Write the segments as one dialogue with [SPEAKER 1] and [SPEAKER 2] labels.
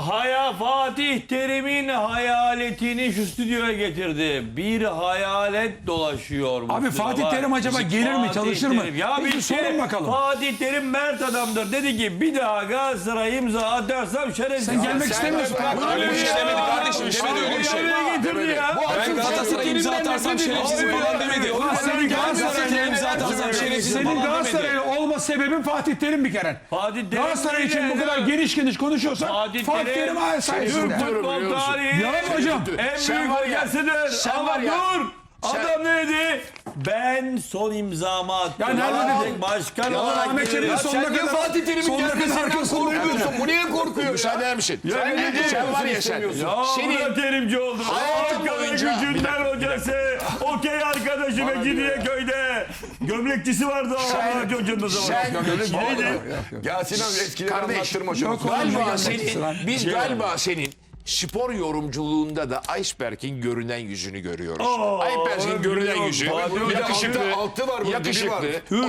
[SPEAKER 1] Fatih Terim'in hayaletini şu stüdyoya getirdi. Bir hayalet dolaşıyor.
[SPEAKER 2] Abi Fatih Terim acaba gelir mi, çalışır mı?
[SPEAKER 1] Ya bir
[SPEAKER 2] sorun bakalım.
[SPEAKER 1] Fatih Terim mert adamdır. Dedi ki bir daha Galatasaray'a imza atarsam şerefsiz.
[SPEAKER 2] Sen gelmek istemiyorsun.
[SPEAKER 3] Öyle bir şey demedi kardeşim. İşte öyle bir şey.
[SPEAKER 1] Getirdi ya.
[SPEAKER 3] Ben Galatasaray'a imza atarsam şerefsizim falan demedi.
[SPEAKER 2] Senin
[SPEAKER 3] Galatasaray'a imza atarsam şerefsizim
[SPEAKER 2] Senin
[SPEAKER 3] falan demedi.
[SPEAKER 2] Galatasaraylı olma sebebin Fatih Terim bir kere.
[SPEAKER 1] Fatih Terim
[SPEAKER 2] Galatasaray için bu kadar geniş konuşuyorsan Fatih Terim sayesinde.
[SPEAKER 1] futbol tarihi
[SPEAKER 2] Yalan mı hocam?
[SPEAKER 1] en büyük hocasıdır. Ama dur. Adam ne dedi? Ben son imzamı attım.
[SPEAKER 2] Ya nerede dedi?
[SPEAKER 1] Başkan
[SPEAKER 2] Yalan
[SPEAKER 1] olarak
[SPEAKER 2] Ahmet Çelik'in sonuna kadar
[SPEAKER 3] Fatih Terim'in gelmesinden korkuyorsun. Bu niye korkuyor?
[SPEAKER 4] Müsaade eder misin?
[SPEAKER 3] Sen var ya sen.
[SPEAKER 1] Ya bu da terimci oldu.
[SPEAKER 3] hayatın
[SPEAKER 1] Ankara
[SPEAKER 3] boyunca-
[SPEAKER 1] Gücü'nden hocası. Okey arkadaşı Mecidiyeköy'de. Gömlekçisi vardı o Ahmet Hoca'nın o zaman.
[SPEAKER 4] Ya Sinan eskileri
[SPEAKER 3] Kardeş,
[SPEAKER 4] anlattırma şunu.
[SPEAKER 3] Galiba biz galiba senin spor yorumculuğunda da Iceberg'in görünen yüzünü görüyoruz. Iceberg'in görünen yüzü yakışıklı,
[SPEAKER 4] altı var, bunun dibi var.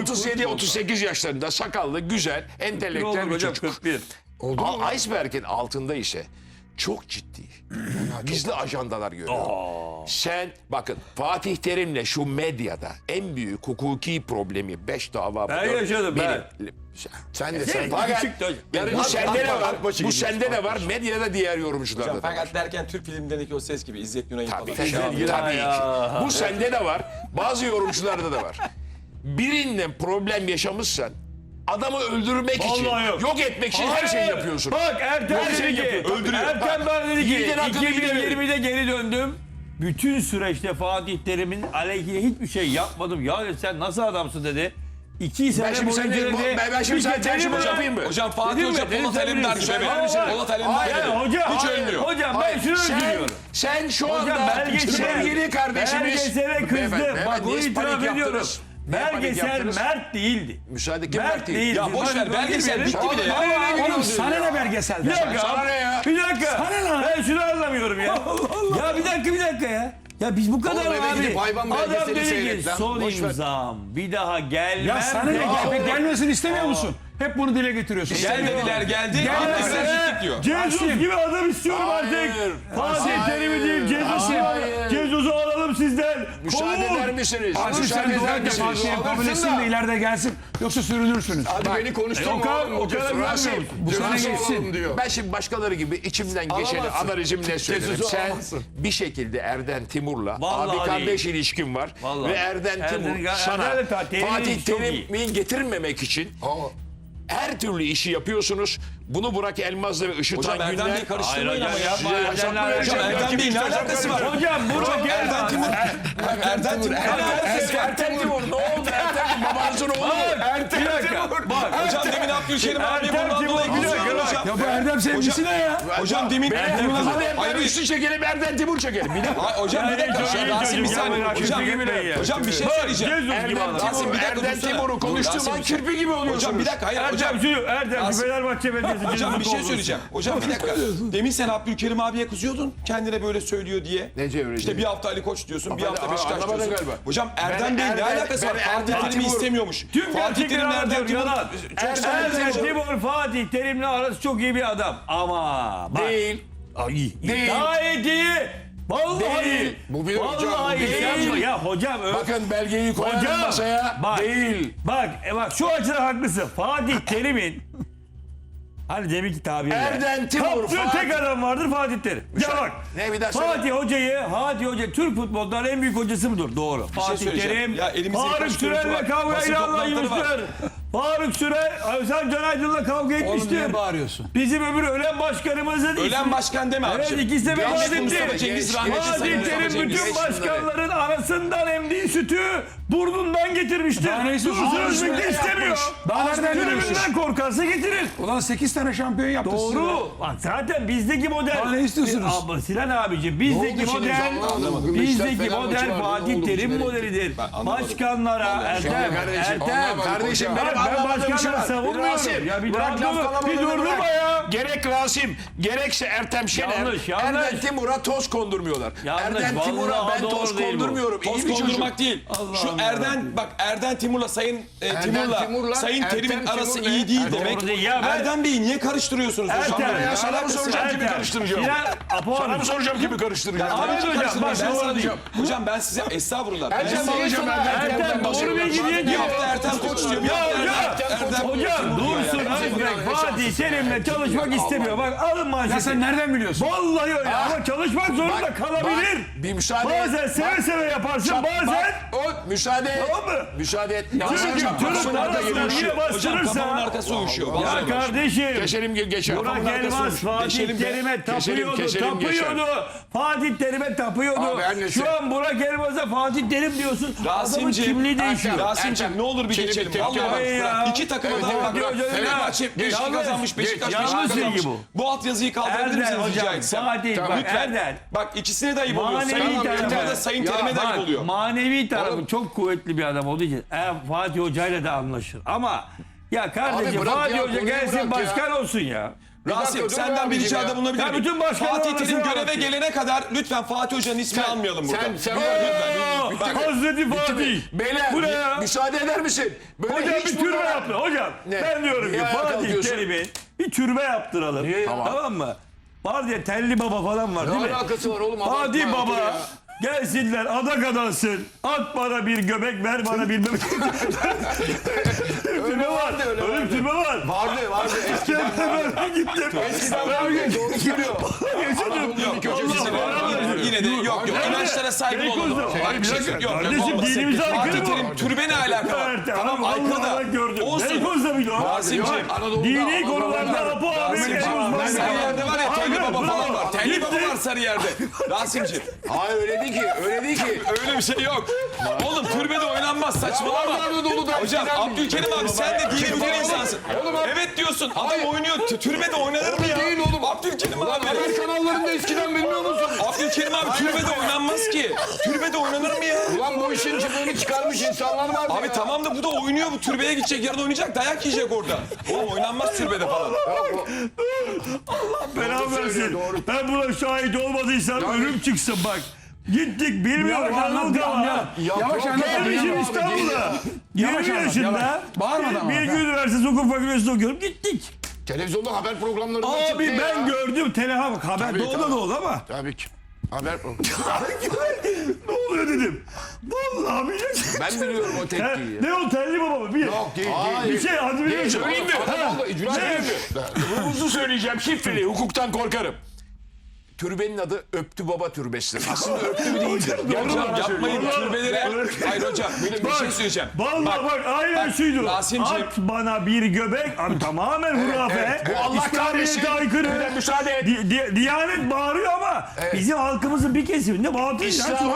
[SPEAKER 3] 37-38 yaşlarında sakallı, güzel, entelektüel bir
[SPEAKER 1] Hocam
[SPEAKER 3] çocuk.
[SPEAKER 1] 41.
[SPEAKER 3] Iceberg'in altında ise çok ciddi, gizli ajandalar görüyorum. Sen bakın Fatih Terim'le şu medyada en büyük hukuki problemi 5 dava.
[SPEAKER 1] Ben yaşadım ben.
[SPEAKER 4] Sen de sen.
[SPEAKER 3] Fakat bu sende ne var?
[SPEAKER 4] başı
[SPEAKER 3] Bu
[SPEAKER 4] gibi.
[SPEAKER 3] sende ne var? Medyada diğer yorumcularda da var.
[SPEAKER 5] Fakat derken Türk filmlerindeki o ses gibi İzzet Günay'ın
[SPEAKER 3] Tabii,
[SPEAKER 5] falan.
[SPEAKER 3] tabii ki. Bu sende de var. Bazı yorumcularda da var. Birinden problem yaşamışsan adamı öldürmek için,
[SPEAKER 1] Vallahi yok.
[SPEAKER 3] etmek için her şeyi yapıyorsun.
[SPEAKER 1] Bak Ertem dedi ki, Ertem bana dedi ki
[SPEAKER 3] Yiğidin hakkını
[SPEAKER 1] 2020'de geri döndüm. Bütün süreçte Fatih Terim'in aleyhine hiçbir şey yapmadım. Ya dedi, sen nasıl adamsın dedi. 2 sene
[SPEAKER 3] şimdi
[SPEAKER 1] boyunca
[SPEAKER 3] sen-
[SPEAKER 1] dedi.
[SPEAKER 3] ben şimdi sana
[SPEAKER 1] Terim
[SPEAKER 3] tercüme
[SPEAKER 1] mi?
[SPEAKER 3] yapayım mı?
[SPEAKER 5] Hocam Fatih
[SPEAKER 1] Dedim
[SPEAKER 5] Hoca
[SPEAKER 1] mi? Dedim
[SPEAKER 5] Polat
[SPEAKER 1] sen
[SPEAKER 5] Alemdar
[SPEAKER 1] bilirsin.
[SPEAKER 5] gibi.
[SPEAKER 1] Hayır,
[SPEAKER 5] Polat Alemdar
[SPEAKER 1] Ya
[SPEAKER 5] gibi.
[SPEAKER 1] hoca,
[SPEAKER 5] Hiç
[SPEAKER 1] hayır,
[SPEAKER 5] ölmüyor.
[SPEAKER 1] hocam ben şunu üzülüyorum.
[SPEAKER 3] Sen şu
[SPEAKER 1] Hocam
[SPEAKER 3] anda
[SPEAKER 1] belgesel,
[SPEAKER 3] sevgili kardeşimiz.
[SPEAKER 1] belgesele kızdı.
[SPEAKER 3] Beyefendi,
[SPEAKER 1] Bak bunu
[SPEAKER 3] niye
[SPEAKER 1] itiraf
[SPEAKER 3] panik
[SPEAKER 1] ediyorum.
[SPEAKER 3] yaptınız? Niye panik
[SPEAKER 1] Belgesel
[SPEAKER 3] yaptınız?
[SPEAKER 1] mert değildi.
[SPEAKER 3] Müsaade kim
[SPEAKER 1] Mert
[SPEAKER 3] Mert değil?
[SPEAKER 1] değildi.
[SPEAKER 5] Ya boş ver,
[SPEAKER 1] Bak,
[SPEAKER 5] belgesel
[SPEAKER 1] bilmiyorum.
[SPEAKER 5] bitti bile ya.
[SPEAKER 2] Oğlum sana ne
[SPEAKER 1] Bir
[SPEAKER 2] belgeselden?
[SPEAKER 1] dakika.
[SPEAKER 3] Sana ne ya?
[SPEAKER 1] Bir dakika.
[SPEAKER 2] Sana ne?
[SPEAKER 1] Ben şunu anlamıyorum ya. Ya bir dakika ya. Ya biz bu kadar
[SPEAKER 4] Oğlum eve
[SPEAKER 1] abi.
[SPEAKER 4] gidip hayvan
[SPEAKER 1] Adam
[SPEAKER 4] belgeseli
[SPEAKER 1] dedi ki
[SPEAKER 4] seyret lan.
[SPEAKER 1] son
[SPEAKER 4] Boş ver.
[SPEAKER 1] imzam bir daha gelmem.
[SPEAKER 2] Ya sana ne gelmesini istemiyor musun? Hep bunu dile getiriyorsun.
[SPEAKER 5] Gel dediler geldi. Gelmezler gittik diyor.
[SPEAKER 1] Jesus gibi adam istiyorum artık. Fatih Terim'i değil Jesus'u alalım sizden.
[SPEAKER 3] Müsaade eder misiniz?
[SPEAKER 2] Asil sen
[SPEAKER 3] Müsaade
[SPEAKER 2] dua
[SPEAKER 3] eder
[SPEAKER 2] et de
[SPEAKER 3] misiniz?
[SPEAKER 2] Fatih'e kabul etsin de ileride gelsin. Yoksa sürünürsünüz.
[SPEAKER 4] Hadi beni konuşturma oğlum.
[SPEAKER 1] O kadar
[SPEAKER 3] Rasim,
[SPEAKER 2] Bu sene
[SPEAKER 4] Rasim
[SPEAKER 2] geçsin.
[SPEAKER 4] oğlum diyor.
[SPEAKER 3] Ben şimdi başkaları gibi içimden geçeni
[SPEAKER 4] Alamazsın.
[SPEAKER 3] analizim ne söylerim.
[SPEAKER 4] Jesus'u
[SPEAKER 3] Sen
[SPEAKER 4] alamazsın.
[SPEAKER 3] bir şekilde Erden Timur'la
[SPEAKER 1] Vallahi
[SPEAKER 3] abi kardeş ilişkin var.
[SPEAKER 1] Vallahi.
[SPEAKER 3] Ve Erden Timur
[SPEAKER 1] Erden
[SPEAKER 3] sana
[SPEAKER 1] Terim'in
[SPEAKER 3] Fatih
[SPEAKER 1] çok iyi.
[SPEAKER 3] Terim'i getirmemek için her türlü işi yapıyorsunuz. Bunu Burak Elmaz'la ve Işıtan
[SPEAKER 5] Hocam Erdem
[SPEAKER 3] Günler...
[SPEAKER 5] Bey'i karıştırmayın ama ya.
[SPEAKER 1] yapma.
[SPEAKER 5] Hocam Erdem Bey'in ne alakası var?
[SPEAKER 1] Hocam Burak
[SPEAKER 5] Erdem Timur. Erdem Timur.
[SPEAKER 3] Ertem Timur ne oldu? Ertem Timur babanızın oğlu mu?
[SPEAKER 1] Bir dakika. Bak.
[SPEAKER 5] Hocam demin Abdülkerim abi
[SPEAKER 1] Ertem
[SPEAKER 5] bundan
[SPEAKER 1] Timur,
[SPEAKER 5] dolayı
[SPEAKER 1] bir dakika,
[SPEAKER 5] kızıyor hocam.
[SPEAKER 2] Ya bu Erdem sevgisi ne ya?
[SPEAKER 5] Hocam demin
[SPEAKER 3] Ben Üstü çekelim Erden Timur çekelim. Bir dakika.
[SPEAKER 5] Hocam bir dakika.
[SPEAKER 1] Çok iyi
[SPEAKER 5] Rasim bir
[SPEAKER 1] çocuk,
[SPEAKER 5] saniye.
[SPEAKER 1] ya,
[SPEAKER 5] Hocam
[SPEAKER 1] kirpi gibi ya.
[SPEAKER 5] hocam bir şey söyleyeceğim.
[SPEAKER 1] Jesus gibi adam.
[SPEAKER 5] Rasim bir dakika
[SPEAKER 3] Erden
[SPEAKER 5] dursana.
[SPEAKER 3] Timur'u konuştuğum
[SPEAKER 5] Rasim,
[SPEAKER 3] an kirpi gibi oluyorsunuz.
[SPEAKER 5] Hocam bir dakika hayır hocam.
[SPEAKER 1] Erdem şu Fenerbahçe Belediyesi.
[SPEAKER 5] Hocam bir şey
[SPEAKER 1] Jesus
[SPEAKER 5] söyleyeceğim. Hocam bir dakika. Demin sen Abdülkerim abiye kızıyordun. Kendine böyle söylüyor diye.
[SPEAKER 3] Nece öyle
[SPEAKER 5] İşte
[SPEAKER 3] değil?
[SPEAKER 5] bir hafta Ali Koç diyorsun, bir hafta Beşiktaş
[SPEAKER 3] anlamadın
[SPEAKER 5] diyorsun.
[SPEAKER 3] galiba.
[SPEAKER 5] Hocam
[SPEAKER 3] Ben
[SPEAKER 5] Erdem Bey'in ne
[SPEAKER 3] Erdem-
[SPEAKER 5] alakası var?
[SPEAKER 3] ben
[SPEAKER 5] Fatih
[SPEAKER 3] Erdem
[SPEAKER 5] Terim'i
[SPEAKER 3] Timur-
[SPEAKER 5] istemiyormuş.
[SPEAKER 1] Tüm
[SPEAKER 5] Fatih
[SPEAKER 1] gerçekleri
[SPEAKER 5] Terim'le Erdem
[SPEAKER 1] anlatıyor.
[SPEAKER 5] Timur
[SPEAKER 1] Yalan. Erdem Timur Fatih Terim'le arası çok iyi bir adam. Ama bak.
[SPEAKER 3] Değil.
[SPEAKER 1] Ay,
[SPEAKER 3] Değil.
[SPEAKER 1] gayet iyi. Vallahi.
[SPEAKER 3] Değil.
[SPEAKER 4] Bu bir hocam, bu
[SPEAKER 1] Vallahi
[SPEAKER 4] bir
[SPEAKER 1] değil. Ya hocam.
[SPEAKER 3] Bakın belgeyi koyalım
[SPEAKER 1] Hocam.
[SPEAKER 3] masaya.
[SPEAKER 1] Bak.
[SPEAKER 3] Değil.
[SPEAKER 1] Bak şu açıdan haklısın. Fatih Terim'in hani deminki tabirle.
[SPEAKER 3] Erden Timur,
[SPEAKER 1] Kaptığı
[SPEAKER 3] Fatih-
[SPEAKER 1] tek adam vardır Fatih Terim. Ya bak.
[SPEAKER 3] Ne bir daha söyle.
[SPEAKER 1] Fatih Hoca Türk futbolundan en büyük hocası mıdır? Doğru. Fatih
[SPEAKER 5] söyleyeceğim.
[SPEAKER 1] Terim,
[SPEAKER 5] Ya elimizde
[SPEAKER 1] Faruk
[SPEAKER 5] birkaç görüntü
[SPEAKER 1] Sürer'le
[SPEAKER 5] var.
[SPEAKER 1] kavga
[SPEAKER 5] Basın
[SPEAKER 1] ilanla
[SPEAKER 5] toplantıları var.
[SPEAKER 1] yapmıştır. Faruk Sürer, Özlem Can Aydın'la kavga
[SPEAKER 2] Oğlum
[SPEAKER 1] etmiştir.
[SPEAKER 2] niye bağırıyorsun?
[SPEAKER 1] Bizim öbür ölen başkanımızın
[SPEAKER 5] Ölen başkan deme
[SPEAKER 1] Evet,
[SPEAKER 5] abiciğim.
[SPEAKER 1] ikisi de vefat
[SPEAKER 5] Rahmetli Mustafa
[SPEAKER 1] etti.
[SPEAKER 5] Cengiz, rahmetli
[SPEAKER 1] Fatih
[SPEAKER 5] Sayın Mustafa
[SPEAKER 1] Terim
[SPEAKER 5] Cengiz.
[SPEAKER 1] bütün başkanların arasından emdiği sütü burnundan getirmiştir.
[SPEAKER 2] Daha ne istiyorsun?
[SPEAKER 1] Dursun
[SPEAKER 2] Daha
[SPEAKER 1] Özbek de
[SPEAKER 2] ne
[SPEAKER 1] istemiyor.
[SPEAKER 2] Daha nereden görüyorsun?
[SPEAKER 1] Tribünden korkarsa getirir.
[SPEAKER 2] Ulan 8 tane şampiyon yaptı size.
[SPEAKER 1] Doğru. Bak zaten bizdeki model.
[SPEAKER 2] Daha ne istiyorsunuz?
[SPEAKER 1] Abi, Sinan abici bizdeki model. Bizdeki model Fatih Terim modelidir. Başkanlara Ertem.
[SPEAKER 3] Kardeşim benim
[SPEAKER 1] Ben
[SPEAKER 3] anlamadığım şey
[SPEAKER 1] başkanları
[SPEAKER 3] var.
[SPEAKER 1] savunmuyorum.
[SPEAKER 3] Rasim,
[SPEAKER 1] Ya bir
[SPEAKER 3] bırak
[SPEAKER 1] dakika
[SPEAKER 3] laf
[SPEAKER 1] dur.
[SPEAKER 3] kalabalığını
[SPEAKER 1] Bir durdurma
[SPEAKER 3] bırak.
[SPEAKER 1] ya.
[SPEAKER 3] Gerek Rasim, gerekse Ertem Şener,
[SPEAKER 1] Yanlış.
[SPEAKER 3] Erden Timur'a toz kondurmuyorlar.
[SPEAKER 1] Yanlış,
[SPEAKER 3] Erden Timur'a
[SPEAKER 1] vallahi
[SPEAKER 3] ben
[SPEAKER 1] doğru
[SPEAKER 3] toz
[SPEAKER 1] değil bu.
[SPEAKER 3] kondurmuyorum. İyi
[SPEAKER 5] Toz
[SPEAKER 3] bir çocuk.
[SPEAKER 5] kondurmak değil. Şu Erden Timur'la Sayın Sayın
[SPEAKER 4] Ertem
[SPEAKER 5] Terim'in arası
[SPEAKER 4] Timur ne?
[SPEAKER 5] iyi değil
[SPEAKER 1] Doğru
[SPEAKER 5] demek.
[SPEAKER 1] değil. Ya ben-
[SPEAKER 5] Erdem Bey'i niye karıştırıyorsunuz hocam?
[SPEAKER 1] Ertem.
[SPEAKER 3] Ya sana mı soracağım
[SPEAKER 1] Ertem, Ertem.
[SPEAKER 4] karıştıracağım?
[SPEAKER 1] Sinan Apo
[SPEAKER 4] Sana
[SPEAKER 1] abi.
[SPEAKER 4] mı soracağım kimi karıştıracağım?
[SPEAKER 1] Ahmet hocam bak
[SPEAKER 5] Ben
[SPEAKER 1] doğru
[SPEAKER 5] sana
[SPEAKER 1] değil.
[SPEAKER 5] diyeceğim. Hocam ben size estağfurullah. Ben
[SPEAKER 4] Ertem
[SPEAKER 5] size
[SPEAKER 4] alacağım
[SPEAKER 1] Ertem doğru bilgi diye
[SPEAKER 5] bir
[SPEAKER 1] diyor.
[SPEAKER 5] hafta Ertem koç diyor. Bir
[SPEAKER 1] Ya
[SPEAKER 5] hafta
[SPEAKER 1] hocam,
[SPEAKER 5] Ertem
[SPEAKER 1] hocam Dursun Özbek Fatih Terim'le çalışmak istemiyor. Bak alın manşeti.
[SPEAKER 2] Ya sen nereden biliyorsun?
[SPEAKER 1] Vallahi öyle ama çalışmak zorunda
[SPEAKER 3] Bak,
[SPEAKER 1] kalabilir.
[SPEAKER 3] Bir müsaade
[SPEAKER 1] Bazen
[SPEAKER 3] et.
[SPEAKER 1] seve seve yaparsın bazen.
[SPEAKER 3] Bak, o müsaade et.
[SPEAKER 1] Tamam mı?
[SPEAKER 3] Müsaade et.
[SPEAKER 1] Çünkü Türk arasında yine
[SPEAKER 5] Hocam kafamın
[SPEAKER 1] bastırırsa.
[SPEAKER 5] arkası uyuşuyor.
[SPEAKER 1] Ya
[SPEAKER 5] Vallahi bak.
[SPEAKER 1] kardeşim.
[SPEAKER 3] Geçelim geçelim.
[SPEAKER 1] Burak Elmas Fatih
[SPEAKER 5] Deşelim be.
[SPEAKER 1] Terim'e tapıyordu.
[SPEAKER 3] keselim,
[SPEAKER 1] Tapıyordu. Fatih Terim'e tapıyordu.
[SPEAKER 3] Abi her neyse.
[SPEAKER 1] Şu an Burak Elmas'a Fatih Terim diyorsun. Adamın
[SPEAKER 5] Rasimciğim,
[SPEAKER 1] kimliği değişiyor.
[SPEAKER 5] Rasimciğim ne olur bir
[SPEAKER 3] Seni bir
[SPEAKER 5] geçelim.
[SPEAKER 3] tepki
[SPEAKER 5] Vallahi
[SPEAKER 3] ver.
[SPEAKER 5] bak.
[SPEAKER 1] Ya.
[SPEAKER 5] İki takıma
[SPEAKER 3] Evet,
[SPEAKER 5] da
[SPEAKER 3] evet,
[SPEAKER 5] bak.
[SPEAKER 1] evet, evet.
[SPEAKER 5] Fenerbahçe 5
[SPEAKER 1] Yanlış.
[SPEAKER 5] kazanmış. Beşiktaş 5
[SPEAKER 1] Yanlış
[SPEAKER 5] kazanmış.
[SPEAKER 1] bilgi bu.
[SPEAKER 5] Bu alt yazıyı kaldırabilir misiniz
[SPEAKER 1] Erdem
[SPEAKER 5] rica
[SPEAKER 1] hocam
[SPEAKER 5] etsem?
[SPEAKER 1] Fatih
[SPEAKER 3] Tamam.
[SPEAKER 1] bak
[SPEAKER 5] Lütfen.
[SPEAKER 1] Erdem.
[SPEAKER 5] Bak ikisine de ayıp oluyor.
[SPEAKER 1] Manevi
[SPEAKER 5] Sayın
[SPEAKER 1] tarafı.
[SPEAKER 5] Yönetmen'e de Sayın Terim'e de
[SPEAKER 1] Bak,
[SPEAKER 5] ayıp oluyor.
[SPEAKER 1] manevi tarafı
[SPEAKER 3] Oğlum.
[SPEAKER 1] çok kuvvetli bir adam olduğu için Fatih Hoca'yla da anlaşır. Ama ya kardeşim
[SPEAKER 3] Abi bırak
[SPEAKER 1] Fatih
[SPEAKER 3] ya,
[SPEAKER 1] Hoca
[SPEAKER 3] konuyu
[SPEAKER 1] gelsin
[SPEAKER 3] bırak ya.
[SPEAKER 1] başkan olsun ya.
[SPEAKER 5] Rasim
[SPEAKER 3] dakika, dur
[SPEAKER 5] senden bir
[SPEAKER 3] abicim
[SPEAKER 5] ricada
[SPEAKER 3] ya.
[SPEAKER 5] bulunabilir
[SPEAKER 1] Ya
[SPEAKER 5] miyim?
[SPEAKER 1] bütün başkanlar
[SPEAKER 5] Fatih Terim
[SPEAKER 1] arasında
[SPEAKER 5] göreve
[SPEAKER 1] var.
[SPEAKER 5] gelene kadar lütfen Fatih Hoca'nın ismini almayalım burada.
[SPEAKER 3] Sen
[SPEAKER 1] Oo, Hazreti Fatih.
[SPEAKER 3] Beyler
[SPEAKER 1] Bu ne ya?
[SPEAKER 3] müsaade eder misin? Böyle
[SPEAKER 1] Hocam
[SPEAKER 3] hiç
[SPEAKER 1] bir türbe
[SPEAKER 3] bunlara-
[SPEAKER 1] yaptı. Hocam
[SPEAKER 3] Ne?
[SPEAKER 1] ben diyorum ki
[SPEAKER 3] Niye ayağa
[SPEAKER 1] Fatih
[SPEAKER 3] kalkıyorsun?
[SPEAKER 1] Terim'in bir türbe yaptıralım. Tamam mı? Var diye Telli Baba falan var değil mi?
[SPEAKER 3] Ne alakası var oğlum?
[SPEAKER 1] Fatih
[SPEAKER 3] Abartma, otur
[SPEAKER 1] Baba
[SPEAKER 3] ya.
[SPEAKER 1] gelsinler adak adansın. At bana bir göbek ver bana bir bebek. Türbe var. Öyle bir türbe var.
[SPEAKER 3] Vardı. Eskiden
[SPEAKER 1] Ben gittim.
[SPEAKER 3] doğru söylüyor.
[SPEAKER 5] Yine de yok. İnançlara saygılı olalım.
[SPEAKER 1] Hayır bir dakika.
[SPEAKER 5] Yok,
[SPEAKER 1] Kardeşim
[SPEAKER 5] olmaz.
[SPEAKER 1] dinimize
[SPEAKER 5] Fatih
[SPEAKER 1] aykırı
[SPEAKER 5] Terim
[SPEAKER 1] bu.
[SPEAKER 5] türbe ne alaka var?
[SPEAKER 1] Evet,
[SPEAKER 5] Tamam
[SPEAKER 1] abi,
[SPEAKER 5] aykırı
[SPEAKER 1] Allah Allah gördüm.
[SPEAKER 5] da. Olsun.
[SPEAKER 1] Beykoz'da mıydı o?
[SPEAKER 5] Rasimciğim.
[SPEAKER 1] Dini konularda Apo abi en uzman.
[SPEAKER 5] Sarıyer'de var ya Telli Baba falan var. Telli Baba
[SPEAKER 1] Gitti.
[SPEAKER 5] var Sarıyer'de. Rasimciğim.
[SPEAKER 3] Hayır öyle değil ki.
[SPEAKER 5] Öyle bir şey yok. Oğlum türbede oynanmaz saçmalama.
[SPEAKER 3] Ya var dolu da
[SPEAKER 5] Hocam
[SPEAKER 3] eskiden
[SPEAKER 5] Abdülkerim abi sen de dini bilen insansın.
[SPEAKER 3] Oğlum abi.
[SPEAKER 5] Evet diyorsun. Adam
[SPEAKER 3] Hayır.
[SPEAKER 5] oynuyor. Türbede oynanır mı ya?
[SPEAKER 3] Değil oğlum.
[SPEAKER 5] Abdülkerim abi.
[SPEAKER 3] Haber kanallarında eskiden bilmiyor musun?
[SPEAKER 5] Abdülkerim abi türbede oynanmaz ki. Türbede oynanır mı ya?
[SPEAKER 3] Ulan bu işin çıkığını çıkarmış insanlar var.
[SPEAKER 5] Abi tamam da bu da oynuyor. Bu türbeye gidecek. Yarın oynayacak. Dayak yiyecek orada. Oğlum oynanmaz türbede falan.
[SPEAKER 1] Berabersin. Ben buna şahit olmadıysam ölüm çıksın bak. Gittik bilmiyorum Anadolu'da var.
[SPEAKER 2] Yavaş anlat.
[SPEAKER 1] Gelmişim İstanbul'a. 20 yaşında.
[SPEAKER 2] Bağırmadan ama.
[SPEAKER 1] Bilgi Üniversitesi Hukuk Fakültesi'nde okuyorum. Gittik.
[SPEAKER 3] Televizyonda haber programlarında çıktı
[SPEAKER 1] Abi ben
[SPEAKER 3] ya.
[SPEAKER 1] gördüm. Telefon haber
[SPEAKER 3] Tabii,
[SPEAKER 1] doğuda
[SPEAKER 3] tabii.
[SPEAKER 1] da oldu ama.
[SPEAKER 3] Tabii ki. Haber
[SPEAKER 1] Ne oluyor dedim. Vallahi billahi.
[SPEAKER 3] Ben biliyorum o tekniği.
[SPEAKER 1] Ne o telli baba mı? Bir,
[SPEAKER 3] Yok değil.
[SPEAKER 1] bir şey adı biliyor musun?
[SPEAKER 3] Söyleyeyim mi? Hızlı söyleyeceğim şifreli. Hukuktan korkarım. Türbenin adı Öptü Baba Türbesi'dir. Aslında öptü değildir.
[SPEAKER 5] Hocam yapmayın
[SPEAKER 1] Vallahi-
[SPEAKER 5] türbelere. Hayır hocam bir şey söyleyeceğim.
[SPEAKER 1] Vallahi bak aynen şuydu.
[SPEAKER 5] Rasimciğim.
[SPEAKER 1] At bana bir göbek. Abi tamamen hurafe.
[SPEAKER 3] evet. Bu Allah kahretsin.
[SPEAKER 1] İslamiyet'e aykırı.
[SPEAKER 3] Öyle müsaade et.
[SPEAKER 1] Diyanet bağırıyor ama bizim halkımızın bir kesiminde batıl.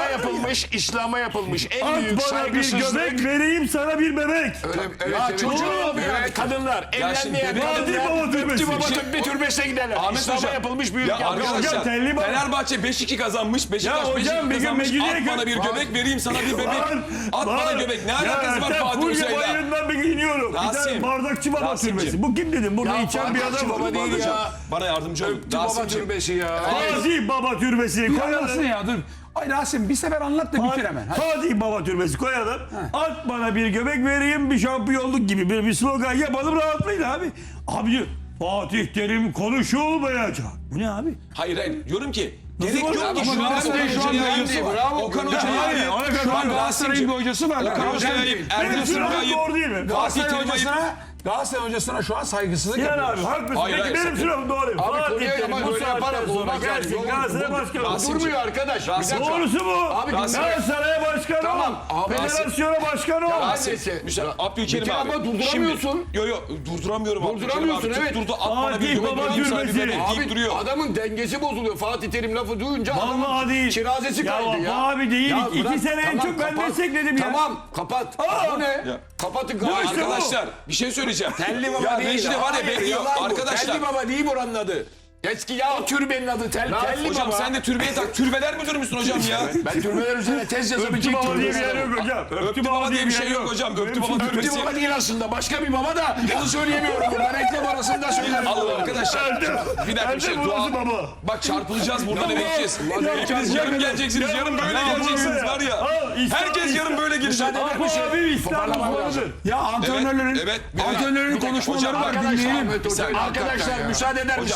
[SPEAKER 3] İslam'a yapılmış en
[SPEAKER 1] At
[SPEAKER 3] büyük
[SPEAKER 1] bana bir
[SPEAKER 3] saygısızlık.
[SPEAKER 1] göbek vereyim sana bir bebek.
[SPEAKER 3] Ya çocuğum ya kadınlar
[SPEAKER 5] şimdi
[SPEAKER 3] evlenmeyen
[SPEAKER 5] göbek-
[SPEAKER 1] Fatih Baba Türbesi.
[SPEAKER 3] Öptü Baba
[SPEAKER 5] Bir şey-
[SPEAKER 3] Türbe Türbesi'ne giderler.
[SPEAKER 5] Ahmet
[SPEAKER 3] İslam'a
[SPEAKER 5] Hocam.
[SPEAKER 3] yapılmış büyük
[SPEAKER 5] Ya
[SPEAKER 3] yanlış.
[SPEAKER 5] arkadaşlar
[SPEAKER 1] Hocam, Telli Baba-
[SPEAKER 5] Fenerbahçe 5-2 kazanmış. Beşiktaş
[SPEAKER 1] Ya hocam,
[SPEAKER 5] 5-2
[SPEAKER 1] bir gün
[SPEAKER 5] kazanmış.
[SPEAKER 1] Mecidiyeköy-
[SPEAKER 5] At bana bir göbek vereyim sana bir bebek. At bana
[SPEAKER 1] Var.
[SPEAKER 5] göbek. Ne
[SPEAKER 1] Ya
[SPEAKER 5] alakası var
[SPEAKER 1] Ertem,
[SPEAKER 5] Fatih
[SPEAKER 1] Fulya
[SPEAKER 5] Hoca'yla?
[SPEAKER 1] Bayırı'ndan bir giyiniyorum. Bir tane
[SPEAKER 5] Rasim.
[SPEAKER 1] bardakçı baba
[SPEAKER 5] Rasimciğim.
[SPEAKER 1] türbesi. Bu kim dedim? Burada içen bir
[SPEAKER 3] Bardakçı
[SPEAKER 1] adam.
[SPEAKER 3] Baba değil ya.
[SPEAKER 5] Bana yardımcı olun.
[SPEAKER 3] Öptü Baba
[SPEAKER 5] Rasimciğim.
[SPEAKER 3] Türbesi ya.
[SPEAKER 1] Fatih Baba türbesini
[SPEAKER 2] Anlatsın
[SPEAKER 1] koyalım.
[SPEAKER 2] ya dur. Ay Rasim bir sefer anlat da bitir hemen. Hadi.
[SPEAKER 1] Fatih Baba türbesi koyalım. At bana bir göbek vereyim bir şampiyonluk gibi bir slogan yapalım rahatlayın abi. Abi diyor, Fatih Terim konuşulmayacak. Bu ne abi?
[SPEAKER 5] Hayır diyorum ki gerek yok
[SPEAKER 1] olacak?
[SPEAKER 5] ki
[SPEAKER 1] Ama
[SPEAKER 5] şu an
[SPEAKER 2] Galatasaray şu an
[SPEAKER 5] Hoca'ya
[SPEAKER 2] mühendisi
[SPEAKER 5] ayıp.
[SPEAKER 2] var.
[SPEAKER 3] Bravo.
[SPEAKER 5] Okan
[SPEAKER 3] Ya,
[SPEAKER 5] Hoca'ya
[SPEAKER 1] hayır,
[SPEAKER 5] ayıp.
[SPEAKER 1] ona kadar
[SPEAKER 2] Şu an
[SPEAKER 1] Rasimciğim.
[SPEAKER 2] Galatasaray'ın bir hocası var.
[SPEAKER 5] Okan Hoca'ya ayıp. Erdem
[SPEAKER 1] Benim
[SPEAKER 5] Sürü'ye
[SPEAKER 1] sıram
[SPEAKER 5] ayıp.
[SPEAKER 1] doğru değil mi?
[SPEAKER 5] Fatih
[SPEAKER 2] Galatasaray
[SPEAKER 5] Terim ayıp.
[SPEAKER 2] Galatasaray hocasına şu an saygısızlık
[SPEAKER 1] Sinan
[SPEAKER 2] yapıyoruz.
[SPEAKER 1] abi haklısın.
[SPEAKER 5] Hayır,
[SPEAKER 1] Peki
[SPEAKER 5] hayır,
[SPEAKER 1] benim
[SPEAKER 5] sakın.
[SPEAKER 1] sıram doğru. Fatih
[SPEAKER 3] konuya
[SPEAKER 1] Terim
[SPEAKER 3] ama
[SPEAKER 1] bu
[SPEAKER 3] böyle
[SPEAKER 1] saatten
[SPEAKER 3] yaparak
[SPEAKER 1] sonra
[SPEAKER 3] olmaz yani.
[SPEAKER 1] gelsin
[SPEAKER 3] Yok,
[SPEAKER 1] Galatasaray başkanı.
[SPEAKER 5] Rasim-
[SPEAKER 3] Durmuyor arkadaş. Bir
[SPEAKER 5] Rasim-
[SPEAKER 3] dakika.
[SPEAKER 1] Doğrusu bu.
[SPEAKER 3] Abi
[SPEAKER 1] Galatasaray'a başkan ol.
[SPEAKER 3] Tamam, abi,
[SPEAKER 1] Federasyona başkan ol.
[SPEAKER 3] Neyse.
[SPEAKER 5] Abdülkerim
[SPEAKER 3] Bitir
[SPEAKER 5] abi.
[SPEAKER 3] ama durduramıyorsun.
[SPEAKER 5] Yok durduramıyorum.
[SPEAKER 3] Durduramıyorsun,
[SPEAKER 5] Abdülkerim abi.
[SPEAKER 3] evet.
[SPEAKER 5] Tutturdu at bana bir
[SPEAKER 1] Fatih
[SPEAKER 5] göbek
[SPEAKER 1] Baba
[SPEAKER 5] vereyim sana bir
[SPEAKER 1] türbesi.
[SPEAKER 5] bebek deyip
[SPEAKER 3] Abi
[SPEAKER 5] duruyor.
[SPEAKER 3] adamın dengesi bozuluyor. Fatih Terim lafı duyunca
[SPEAKER 1] Vallahi
[SPEAKER 3] adamın
[SPEAKER 1] değil.
[SPEAKER 3] şirazesi kaydı ya.
[SPEAKER 1] Abi değil.
[SPEAKER 3] Ya
[SPEAKER 1] İki
[SPEAKER 3] bırak,
[SPEAKER 1] sene en çok ben
[SPEAKER 3] kapat.
[SPEAKER 1] destekledim ya.
[SPEAKER 3] Tamam kapat. Bu ne? Kapatın
[SPEAKER 1] işte bu.
[SPEAKER 5] Arkadaşlar bir şey söyleyeceğim.
[SPEAKER 3] Telli Baba
[SPEAKER 5] ya
[SPEAKER 3] değil.
[SPEAKER 5] Necide var ya
[SPEAKER 3] Hayır,
[SPEAKER 5] bekliyor.
[SPEAKER 3] yalan bu.
[SPEAKER 5] Arkadaşlar.
[SPEAKER 3] Telli Baba değil buranın adı. Eski ya türbenin adı Telli
[SPEAKER 5] Hocam
[SPEAKER 3] Baba.
[SPEAKER 5] sen de türbeye tak. Türbeler müdürü müsün hocam ya?
[SPEAKER 3] Ben türbeler üzerine tez
[SPEAKER 1] Öptü
[SPEAKER 3] yazabilecek
[SPEAKER 1] Baba diye bir yer
[SPEAKER 3] türbeler.
[SPEAKER 1] yok hocam.
[SPEAKER 5] Öptü baba diye bir şey yok hocam. Öptü baba
[SPEAKER 3] Öptü
[SPEAKER 5] türbesi.
[SPEAKER 3] Baba değil aslında. Başka bir baba da onu söyleyemiyorum. Ben reklam arasında söylerim.
[SPEAKER 5] Allah arkadaşlar. Bir dakika bir şey.
[SPEAKER 1] Erdem burası
[SPEAKER 5] Dua.
[SPEAKER 1] baba.
[SPEAKER 5] Bak çarpılacağız buradan eve gideceğiz.
[SPEAKER 1] Ya,
[SPEAKER 5] Hepiniz
[SPEAKER 1] ya,
[SPEAKER 5] yarın
[SPEAKER 1] ya,
[SPEAKER 5] geleceksiniz.
[SPEAKER 1] ya,
[SPEAKER 5] Yarın böyle
[SPEAKER 1] ya,
[SPEAKER 5] geleceksiniz
[SPEAKER 1] ya.
[SPEAKER 5] var ya.
[SPEAKER 1] Al, İslam-
[SPEAKER 5] Herkes yarın böyle gelecek.
[SPEAKER 1] Apo abi İstanbul babadır.
[SPEAKER 2] Ya antrenörlerin
[SPEAKER 5] evet.
[SPEAKER 2] antrenörlerin konuşmaları var
[SPEAKER 5] Hocam,
[SPEAKER 2] dinleyelim.
[SPEAKER 3] Arkadaşlar müsaade eder
[SPEAKER 5] Hocam
[SPEAKER 3] misiniz?
[SPEAKER 5] lütfen
[SPEAKER 3] Ben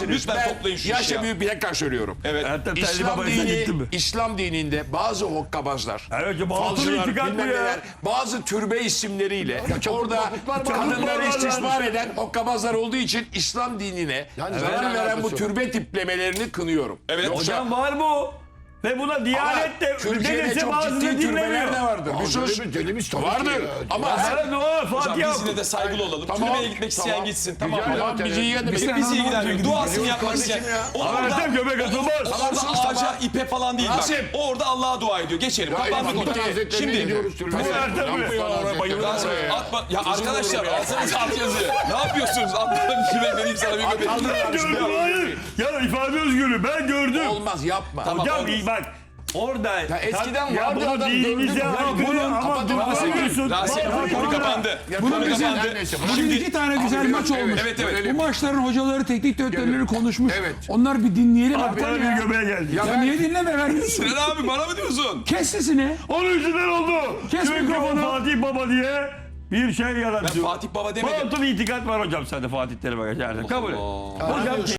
[SPEAKER 5] toplayın şu işi
[SPEAKER 3] yaşça
[SPEAKER 5] ya.
[SPEAKER 3] büyük bir tekrar söylüyorum.
[SPEAKER 5] Evet.
[SPEAKER 1] Hatta Telli Baba'ya gittin mi?
[SPEAKER 3] İslam dininde bazı hokkabazlar,
[SPEAKER 1] Evet, ya batıl
[SPEAKER 3] falcılar,
[SPEAKER 1] itikat bu
[SPEAKER 3] bilmem
[SPEAKER 1] ya.
[SPEAKER 3] neler, bazı türbe isimleriyle orada
[SPEAKER 1] çabuklar
[SPEAKER 3] kadınları
[SPEAKER 1] var
[SPEAKER 3] istismar
[SPEAKER 1] yani.
[SPEAKER 3] eden hokkabazlar olduğu için İslam dinine
[SPEAKER 4] Yani
[SPEAKER 3] zarar
[SPEAKER 4] zaten
[SPEAKER 3] veren bu
[SPEAKER 4] alakası yok.
[SPEAKER 3] türbe tiplemelerini kınıyorum.
[SPEAKER 5] Evet.
[SPEAKER 1] Hocam var bu. Ve buna Diyanet de
[SPEAKER 3] Türkiye'de
[SPEAKER 1] dedesi
[SPEAKER 3] çok
[SPEAKER 1] bazıları
[SPEAKER 3] ciddi türbeler
[SPEAKER 1] dinlemiyor.
[SPEAKER 3] de vardır. Bir sus.
[SPEAKER 4] Dediğimiz tabii
[SPEAKER 3] Vardır.
[SPEAKER 4] ki ya.
[SPEAKER 3] Ama
[SPEAKER 1] Evet, o
[SPEAKER 5] Hocam
[SPEAKER 1] Fatih
[SPEAKER 5] biz yine de saygılı olalım.
[SPEAKER 3] Tamam,
[SPEAKER 5] Türbeye gitmek isteyen
[SPEAKER 3] tamam.
[SPEAKER 5] gitsin. Tamam.
[SPEAKER 4] Güzel
[SPEAKER 5] Tamam.
[SPEAKER 3] bizi ilgilendirmez.
[SPEAKER 5] Bizi ilgilenmiyor. Duasını yapmak isteyen.
[SPEAKER 3] kardeşim ya.
[SPEAKER 1] Ertem göbek atılmaz.
[SPEAKER 5] Orada ağaca, ipe falan değil bak.
[SPEAKER 3] Rasim.
[SPEAKER 5] Orada Allah'a dua ediyor. Geçelim. Kapandık
[SPEAKER 4] Mahmut
[SPEAKER 5] onu.
[SPEAKER 4] Hazretleri'ne
[SPEAKER 5] Şimdi
[SPEAKER 4] gidiyoruz türbeye.
[SPEAKER 1] Ertem mi?
[SPEAKER 5] Rasim, atma. Ya arkadaşlar alsanız alt yazıyor. Ne yapıyorsunuz? Atmadan bir şey vereyim sana bir bebek.
[SPEAKER 1] Ben gördüm, hayır. Ya ifade özgürlüğü ben gördüm.
[SPEAKER 3] Olmaz yapma.
[SPEAKER 1] Hocam iyi bak. Orada
[SPEAKER 4] eskiden
[SPEAKER 1] ya
[SPEAKER 4] vardı
[SPEAKER 1] bunu
[SPEAKER 4] adam,
[SPEAKER 1] dinimize
[SPEAKER 4] gördüm.
[SPEAKER 1] aykırı ama
[SPEAKER 4] Kapatın,
[SPEAKER 1] duramıyorsun.
[SPEAKER 5] Rasim konu kapandı.
[SPEAKER 4] Bunun
[SPEAKER 5] Konu
[SPEAKER 4] güzel-
[SPEAKER 5] kapandı.
[SPEAKER 4] Neyse,
[SPEAKER 2] Bugün iki tane güzel maç olmuş.
[SPEAKER 5] Evet, evet.
[SPEAKER 2] Bu maçların hocaları, teknik direktörleri konuşmuş.
[SPEAKER 4] Evet.
[SPEAKER 2] Onlar bir dinleyelim.
[SPEAKER 1] Bak bana
[SPEAKER 2] Ertem
[SPEAKER 1] bir
[SPEAKER 2] ya.
[SPEAKER 1] göbeğe geldi.
[SPEAKER 2] Ya niye dinleme vermiyorsun?
[SPEAKER 5] Sinan abi bana mı diyorsun?
[SPEAKER 2] Kes sesini.
[SPEAKER 1] Onun yüzünden oldu.
[SPEAKER 2] Kes
[SPEAKER 1] Çünkü
[SPEAKER 2] mikrofonu.
[SPEAKER 1] Fatih Baba diye bir şey yaratıyor.
[SPEAKER 5] Fatih Baba demedim.
[SPEAKER 1] Batıl itikat var hocam sende Fatih Terim'e geçersin. Kabul et. Hocam